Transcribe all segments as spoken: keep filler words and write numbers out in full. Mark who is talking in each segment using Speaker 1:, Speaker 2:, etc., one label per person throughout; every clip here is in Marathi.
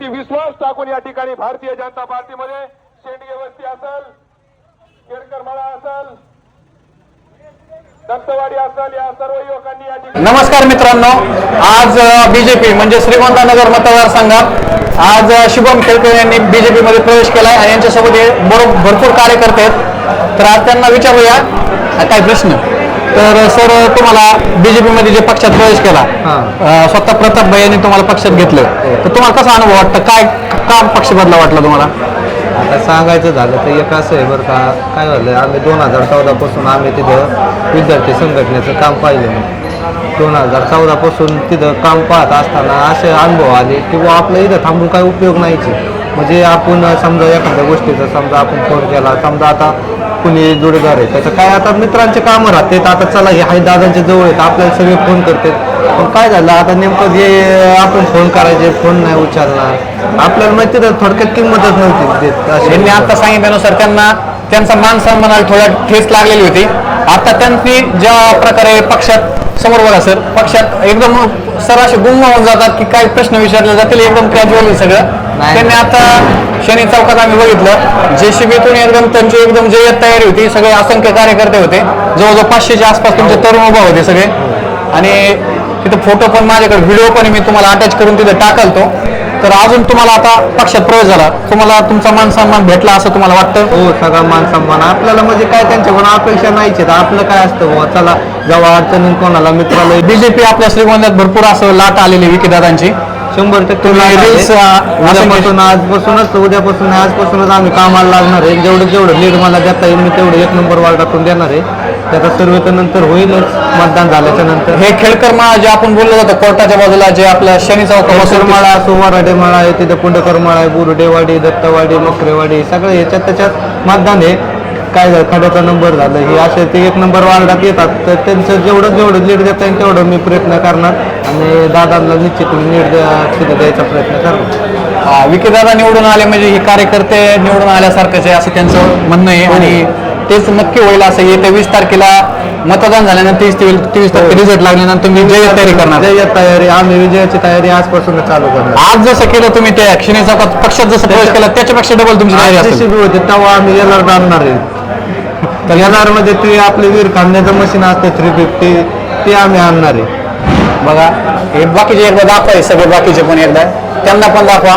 Speaker 1: विश्वास टाकून या ठिकाणी भारतीय जनता पार्टीमध्ये शेंडगे वस्ती असेल, केरकर मळा असेल, दत्तवाडी असेल, या सर्व युवकांनी या ठिकाणी.
Speaker 2: नमस्कार मित्रांनो, आज बीजेपी म्हणजे श्रीगोंदानगर मतदारसंघात आज शुभम खेळकर यांनी बीजेपी मध्ये प्रवेश केलाय आणि यांच्यासोबत भरपूर कार्यकर्ते आहेत. तर आज त्यांना विचारूया काय प्रश्न. तर सर, तुम्हाला बीजेपी मध्ये जे पक्षात प्रवेश केला, स्वतः प्रताप भाई यांनी तुम्हाला पक्षात घेतलं, तर तुम्हाला कसा अनुभव वाटतं? काय का पक्ष बदला वाटला तुम्हाला?
Speaker 3: आता सांगायचं झालं तर एक असं आहे बरं का, काय झालं, आम्ही दोन हजार चौदा पासून आम्ही तिथं विद्यार्थी संघटनेचं काम पाहिलं नाही. दोन हजार चौदा पासून तिथं काम पाहत असताना असे अनुभव आले की बुवा आपल्या इथं थांबून काही उपयोग नाहीचे. म्हणजे आपण समजा एखाद्या गोष्टीचा समजा आपण फोन केला, समजा आता कुणी जोडीदार आहे त्याचं काय, आता मित्रांचे कामं राहतात, आता चला हे हाय दादांच्या जवळ आहेत, आपल्याला सगळे फोन करतात. पण काय झालं आता नेमकं जे आपण फोन करायचे, फोन नाही उचलणार, आपल्याला माहिती तर थोडक्यात किंमतच नव्हती देत.
Speaker 2: यांनी आता सांगितल्यानुसार त्यांना त्यांचा मान सन्मानाला थोडा ठेच लागलेली होती. आता त्यांनी ज्या प्रकारे पक्षात समोर बघा सर, पक्षात एकदम सर असे गुंग होऊन जातात की काही प्रश्न विचारले जातील, एकदम कॅज्युअली सगळं. त्यांनी आता शनी चौकात आम्ही बघितलं, जेसीबीतून एकदम त्यांची एकदम जय्यत तयारी होती. सगळे असंख्य कार्यकर्ते होते, जवळजवळ पाचशेच्या आसपास तुमचे तरुण उभा होते सगळे. आणि तिथं फोटो पण माझ्याकडे, व्हिडिओ पण मी तुम्हाला अटॅच करून तिथे टाकलतो. तर अजून तुम्हाला आता पक्षात प्रवेश झाला, तुम्हाला तुमचा मान सन्मान भेटला असं तुम्हाला वाटतं?
Speaker 3: हो, सगळा मान सन्मान आपल्याला, म्हणजे काय त्यांच्याकडून अपेक्षा नाहीच. आपलं काय असतं बुवा, चला जेव्हा अडचणी कोणाला मित्राला.
Speaker 2: बीजेपी आपल्या श्रीगोंद्यात भरपूर असं लाट आलेली विकीदादांची,
Speaker 3: शंभर टक्के उद्यापासून आजपासूनच उद्यापासून आजपासूनच आम्ही कामाला लागणार आहे. जेवढं जेवढं लीड मला देता येईल मी तेवढं एक नंबर वार्डातून देणार आहे. त्याचा सर्वे तर नंतर होईलच मतदान झाल्याच्या नंतर.
Speaker 2: हे खेळकर माळा जे आपण बोललो जातो कोर्टाच्या बाजूला, जे आपल्या शनी चौक
Speaker 3: माळा असो, वराडे माळा आहे, तिथे पुंडकर माळा आहे, बुरुडेवाडी, दत्तवाडी, मकरेवाडी, सगळे याच्यात त्याच्यात मतदान आहे. काय झालं, खड्याचा नंबर झालं, हे असे ते एक नंबर वार्डात येतात. तर त्यांचं जेवढं जेवढं लीड देता येईल तेवढं मी प्रयत्न करणार आणि दादांना निश्चित लीड तिथे द्यायचा प्रयत्न करणार.
Speaker 2: विकीदादा निवडून आले म्हणजे हे कार्यकर्ते निवडून आल्यासारखंच आहे असं त्यांचं म्हणणं आहे. आणि तेच नक्की होईल असं. येत्या वीस तारखेला मतदान झाल्यानंतर तीस तेवीस तारखे रिझल्ट लागल्यानंतर तुम्ही जय्यत तयारी करणार?
Speaker 3: जय्यत तयारी, आम्ही विजयाची तयारी आजपासून चालू करणार.
Speaker 2: आज जसं केलं तुम्ही त्या क्षणी चौकात पक्षात जसं प्रवेश केला त्याच्यापेक्षा डबल तुमची तयारी असेल.
Speaker 3: होते तेव्हा आम्ही येणार आणणार आहे. तर येणार मध्ये ते आपले वीर खांद्याचं मशीन असतं थ्री फिफ्टी, ते आम्ही आणणार आहे.
Speaker 2: बघा, हे बाकीचे एकदा दाखवा, सगळे बाकीचे पण एकदा त्यांना पण दाखवा.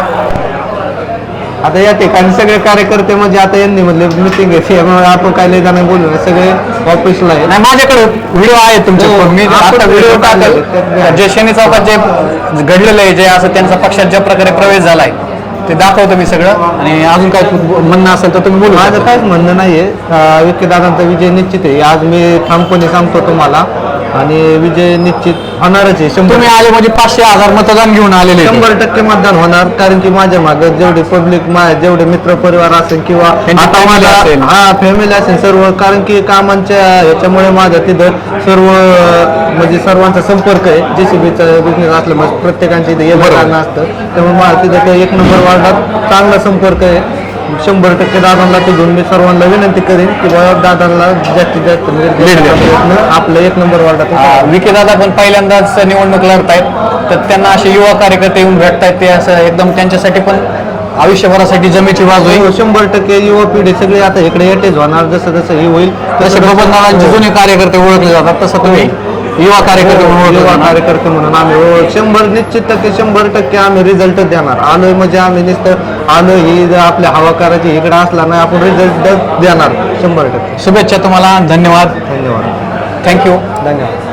Speaker 3: आता या ठिकाणी सगळे कार्यकर्ते म्हणजे आता यांनी म्हणले मिटिंग आहे, आपण काय लय जाणार बोलू ना, सगळे ऑफिसला आहे.
Speaker 2: नाही, माझ्याकडे व्हिडिओ आहे तुमचे, मी आता व्हिडिओ टाकल जे शनी चौकात जे घडलेलं आहे, जे असं त्यांचा पक्षात ज्या प्रकारे प्रवेश झालाय ते दाखवतो मी सगळं. आणि अजून काय म्हणणं असेल तर तुम्ही बोलू.
Speaker 3: माझं काहीच म्हणणं नाहीये, विकीदादांचा विजय निश्चित आहे. आज मी ठामपणे सांगतो तुम्हाला, आणि विजय निश्चित होणारच आहे.
Speaker 2: तुम्ही आले म्हणजे पाचशे हजार मतदान घेऊन आलेले,
Speaker 3: शंभर टक्के मतदान होणार. कारण की माझ्या मागं जेवढे पब्लिक, जेवढे मित्र परिवार असेल किंवा आता माझा हा फॅमिली असेल सर्व, कारण की कामांच्या ह्याच्यामुळे माझं तिथं सर्व म्हणजे सर्वांचा संपर्क आहे. जेसीबीचा बिझनेस असल्यामुळे प्रत्येकांच्या इथे येणं असतं, त्यामुळे मला तिथं एक नंबर वार्डात चांगला संपर्क आहे. शंभर टक्के दादांना तिथून मी सर्वांना विनंती करेन की बाबा दादांना जास्तीत जास्त प्रयत्न आपलं एक नंबर वार्डात.
Speaker 2: विकीदादा पण पहिल्यांदाच निवडणूक लढत आहेत, तर त्यांना असे युवा कार्यकर्ते येऊन भेटतायत, ते असं एकदम त्यांच्यासाठी पण आयुष्यभरासाठी जमेची बाजू आहे.
Speaker 3: शंभर टक्के युवा पिढी सगळे आता इकडे येतेच होणार. जसं जसं हे होईल
Speaker 2: तसे बबनदादांचे जुने कार्यकर्ते ओळखले जातात, तसं तुम्ही युवा कार्यकर्ते म्हणून
Speaker 3: युवा कार्यकर्ते म्हणून आम्ही शंभर निश्चित टक्के शंभर टक्के आम्ही रिझल्ट देणार. आलोय म्हणजे आम्ही नुसतं आलो ही आपल्या हवा करायची इकडे असला नाही, आपण रिझल्ट देणार शंभर टक्के.
Speaker 2: शुभेच्छा तुम्हाला, धन्यवाद.
Speaker 3: धन्यवाद,
Speaker 2: थँक्यू.
Speaker 3: धन्यवाद.